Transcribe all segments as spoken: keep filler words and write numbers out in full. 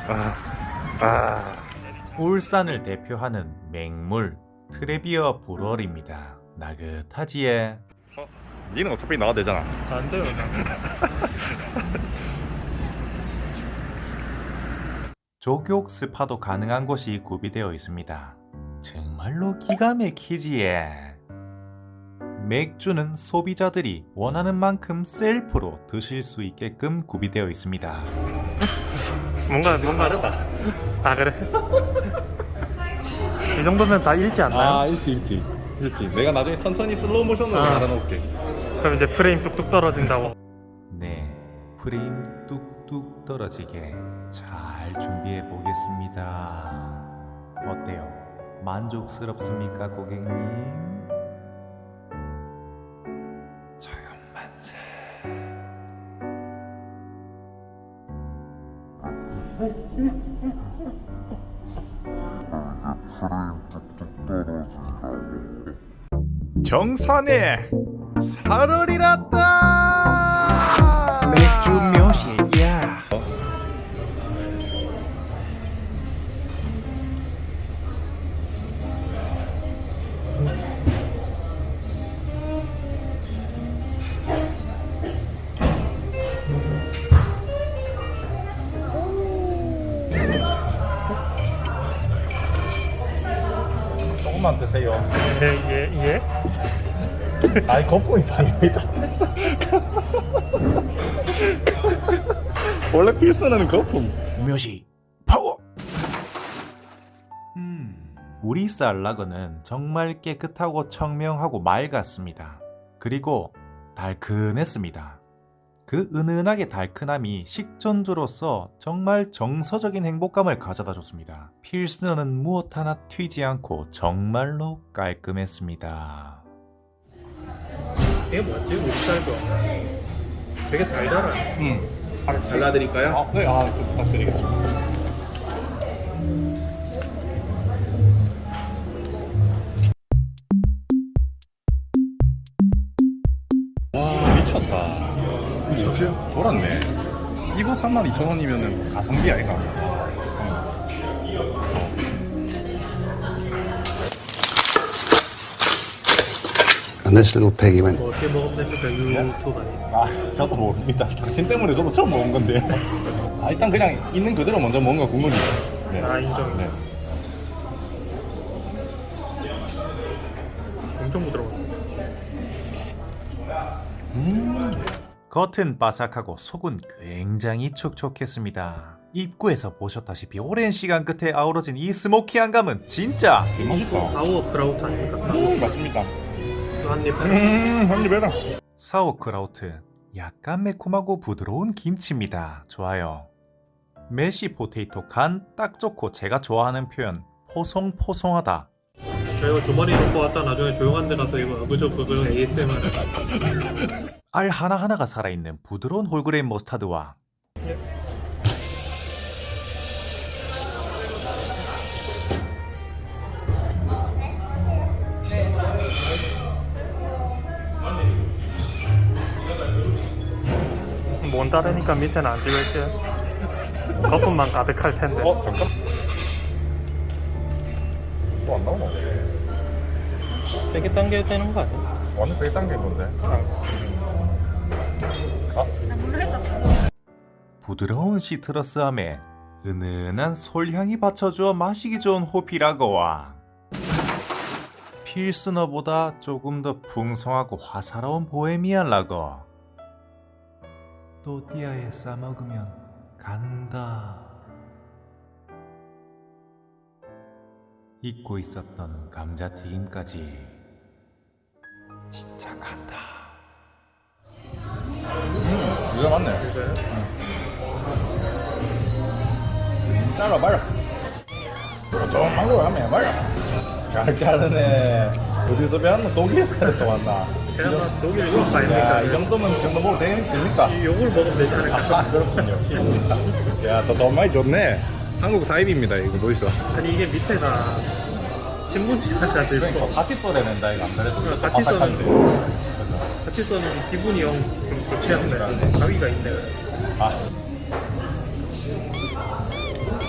아, 아. 울산을 대표하는 맹물 트레비어 브루어리입니다. 나긋하지에. 어, 니는 어차피 나가도 되잖아. 안 돼요. 조격 스파도 가능한 곳이 구비되어 있습니다. 정말로 기가 막히지에. 맥주는 소비자들이 원하는 만큼 셀프로 드실 수 있게끔 구비되어 있습니다. 뭔가 뭔가 다르다. 아 그래? 이 정도면 다 읽지 않나요? 아, 일지 일지 일지. 내가 나중에 천천히 슬로우 모션으로 아. 달아놓을게. 그럼 이제 프레임 뚝뚝 떨어진다고. 네, 프레임 뚝뚝 떨어지게 잘 준비해 보겠습니다. 어때요? 만족스럽습니까, 고객님? 저연만세. 정산에 살얼이 났다. 맥주 묘시야. 조금만 드세요. 예예 예, 예? 아이, 거품이 반입니다. 원래 필수는 거품. 묘시 파워. 음, 우리 쌀라그는 정말 깨끗하고 청명하고 맑았습니다. 그리고 달큰했습니다. 그 은은하게 달큰함이 식전주로서 정말 정서적인 행복감을 가져다 줬습니다. 필스너는 무엇 하나 튀지 않고 정말로 깔끔했습니다. 이게 뭐지? 우리쌀도 되게 달달하네. 음. 잘라드릴까요? 아, 네. 아, 좀 부탁드리겠습니다. 와, 미쳤다. 뭐지? 돌았네. 이거 삼만 이천 원이면은 가성비 아이가? And this little piggy went. 뭐 어떻게 먹으면 됩니까? 유튜브 아니에요? 아, 저도 모릅니다. 당신 때문에 저도 처음 먹은 건데. 아, 일단 그냥 있는 그대로 먼저 먹는 거 국물이에요. 네. 아 인정. 네. 엄청 부드러워. 음, 겉은 바삭하고 속은 굉장히 촉촉했습니다. 입구에서 보셨다시피 오랜 시간 끝에 아우러진 이 스모키한 감은 진짜 되게 맛있다. 사워 크라우트 아닙니까? 사워. 음, 맞습니다. 한입. 음, 한입 해라. 사우크라우트, 약간 매콤하고 부드러운 김치입니다. 좋아요. 메시 포테이토 간 딱 좋고 제가 좋아하는 표현 포송포송하다. 저희가 주머니 놓고 왔다 나중에 조용한 데 가서 이거 그저 그거 에이에스엠알. 알 하나하나가 살아있는 부드러운 홀그레인 머스타드와 못 따르니까 밑에는 안 찍을게요. 거품만 가득할 텐데. 어, 잠깐. 또 안 나오나? 세게 당겨야 되는 거 아니야? 완전 세게 당긴 건데. 아, 부드러운 시트러스함에 은은한 솔향이 받쳐주어 마시기 좋은 호피라거와 필스너보다 조금 더 풍성하고 화사로운 보헤미안 라거. 또띠아에 싸먹으면 간다. 잊고 있었던 감자튀김까지 진짜 간다. 음, 이거 맞네. 그래? 잘라 말아. 좀 한국에 하면 말아. 잘 자르네. 어디서 배웠노? 독일에서 왔나? 제가 독일 유학 야, 이 아닙니까? 정도면 이 정도 먹어도 되- 됩니까? 이 요걸 먹으면 되지 않을까? 아, 그렇군요. 야, 너 너무 많이 좋네. 한국 다입입니다. 이거 보이소? 아니 이게 밑에가 신문지가 들고 그러니까 같이 써내낸다 이거 안 그래도. 그래, 이것도 같이 바삭한데. 써내는데. 그죠? 같이 써는 기분이 영 좀 좋지 않네. 가위가 있네. 아,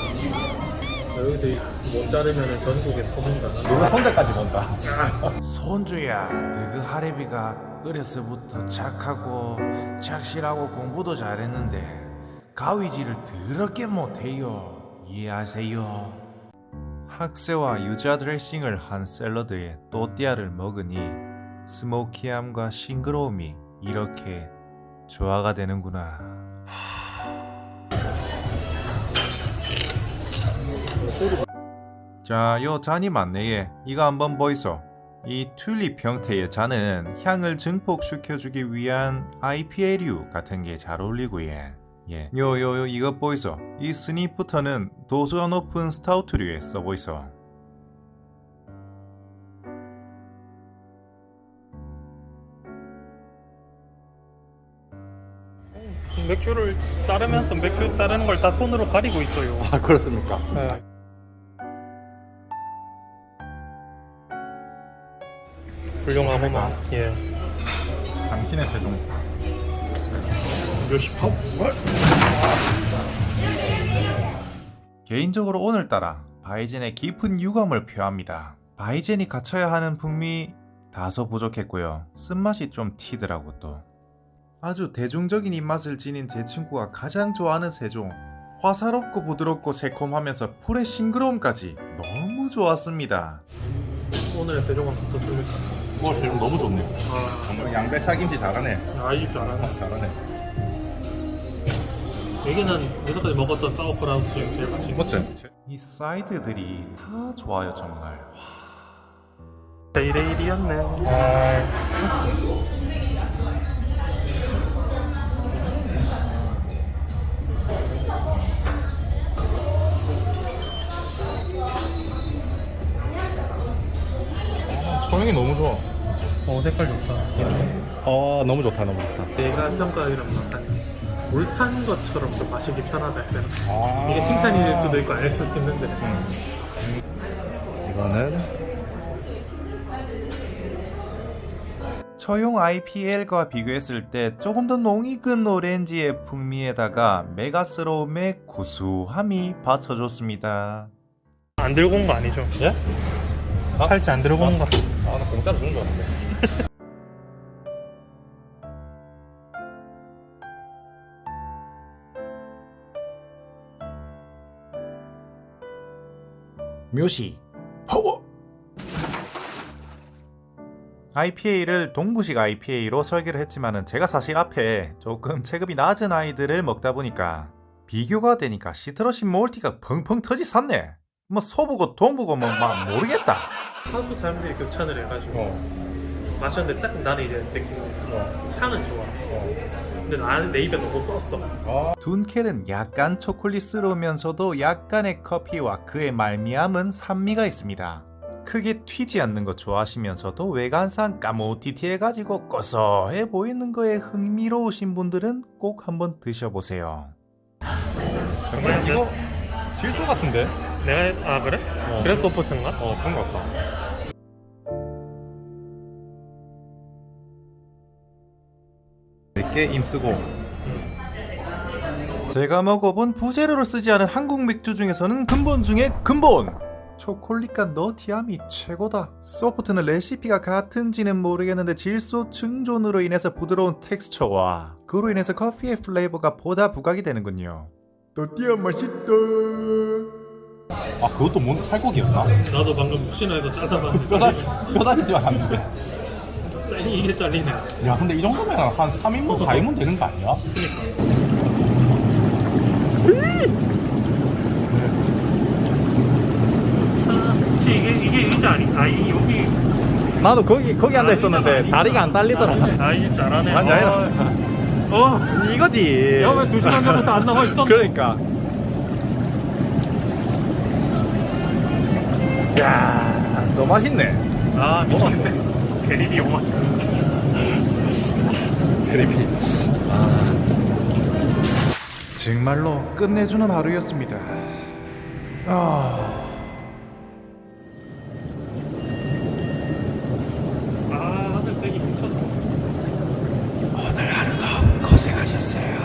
못 자르면 전국에 소문가 나. 누가 손자까지 본다. 손주야, 너그 하래비가 어려서부터 착하고 착실하고 공부도 잘했는데 가위질을 더럽게 못해요. 이해하세요? 학세와 유자 드레싱을 한 샐러드에 또띠아를 먹으니 스모키함과 싱그러움이 이렇게 조화가 되는구나. 자, 요 잔이 맞네. 이거 한번 보이소. 이 튤립 형태의 잔은 향을 증폭시켜주기 위한 아이피에이류 같은 게 잘 어울리고 예. 예. 요, 요, 요, 이것 보이소. 이 스니프터는 도수가 높은 스타우트류에 써보이소. 맥주를 따르면서 맥주 따르는 걸 다 손으로 가리고 있어요. 아, 그렇습니까? 네. 훌륭하구만. 예. 당신의 최종. 요시팝. 개인적으로 오늘따라 바이젠의 깊은 유감을 표합니다. 바이젠이 갖춰야 하는 풍미 다소 부족했고요. 쓴맛이 좀 튀더라고 또. 아주 대중적인 입맛을 지닌 제 친구가 가장 좋아하는 세종. 화사롭고 부드럽고 새콤하면서 풀의 싱그러움까지 너무 좋았습니다. 오늘의 세종은 어떻습니까? 와, 세종 너무 좋네요. 아, 정말 양배차 김치 잘하네. 아이 줄 알았네. 어, 잘하네. 여기는 여태까지 먹었던 사우프라우스 중에 제일 맛있는 거. 멋지? 이 사이드들이 다 좋아요 정말. 데이레일이었네. 소영이 너무 좋아. 어, 색깔 좋다. 아, 너무 좋다, 너무 좋다. 내가 평가하기로는 약간 물탄 것처럼 좀 마시기 편하다 해야 되나? 아, 이게 칭찬일 수도 있고 아닐 수도 있는데. 이거는 처용 아이피엘과 비교했을 때 조금 더 농익은 오렌지의 풍미에다가 메가스러움의 구수함이 받쳐줬습니다. 안 들고 온 거 아니죠? 예? 아? 팔찌 안 들고 온 거. 아, 나 공짜로 주는 줄 알았는데. 묘시 파워. 아이피에이를 동부식 아이피에이로 설계를 했지만은 제가 사실 앞에 조금 체급이 낮은 아이들을 먹다 보니까 비교가 되니까 시트러신 몰티가 펑펑 터지 샀네. 뭐 서부고 동부고 뭐 막 모르겠다. 하도 사람들이 극찬을 해가지고 어. 마셨는데 딱 나는 이제 느끼는 어. 향은 좋아. 어. 근데 나는 내 입에 너무 썼어. 아, 둔켈은 약간 초콜릿스러우면서도 약간의 커피와 그의 말미암은 산미가 있습니다. 크게 튀지 않는 거 좋아하시면서도 외관상 까무티티해가지고 고소해 보이는 거에 흥미로우신 분들은 꼭 한번 드셔보세요. 정말 이거 질소 같은데? 내가 아 그래? 어. 그래서 소프트인가? 어, 그런 것 같다. 이렇게 힘쓰고. 제가 먹어본 부재료를 쓰지 않은 한국 맥주 중에서는 근본 중에 근본! 초콜릿과 너티함이 최고다. 소프트는 레시피가 같은지는 모르겠는데 질소 증존으로 인해서 부드러운 텍스처와 그로 인해서 커피의 플레이버가 보다 부각이 되는군요. 너티함 맛있다. 아, 그것도 뭔 살코기였나? 나도 방금 혹시나 해서 잘라봤는데 뼈다리, 뼈다리 줄 알았는데. 짠이 이게 잘리네. 야, 근데 이 정도면 한 삼 인분, 사 인분 되는 거 아니야? 아, 이게 이게 이게 아니 아 이 여기 나도 거기, 거기 앉아 있었는데 다리가 안 딸리더라. 아 이게 잘하네. 아니, 아니라. 어. 이거지. 야왜 두 시간 전부터 안 나와 있었어? 그러니까. 야, 너무 맛있네. 아 미쳤네. 대리비 오만. 대리비. 정말로 끝내주는 하루였습니다. 아... 아 하늘 색이 미쳤다. 오늘 하루도 고생하셨어요.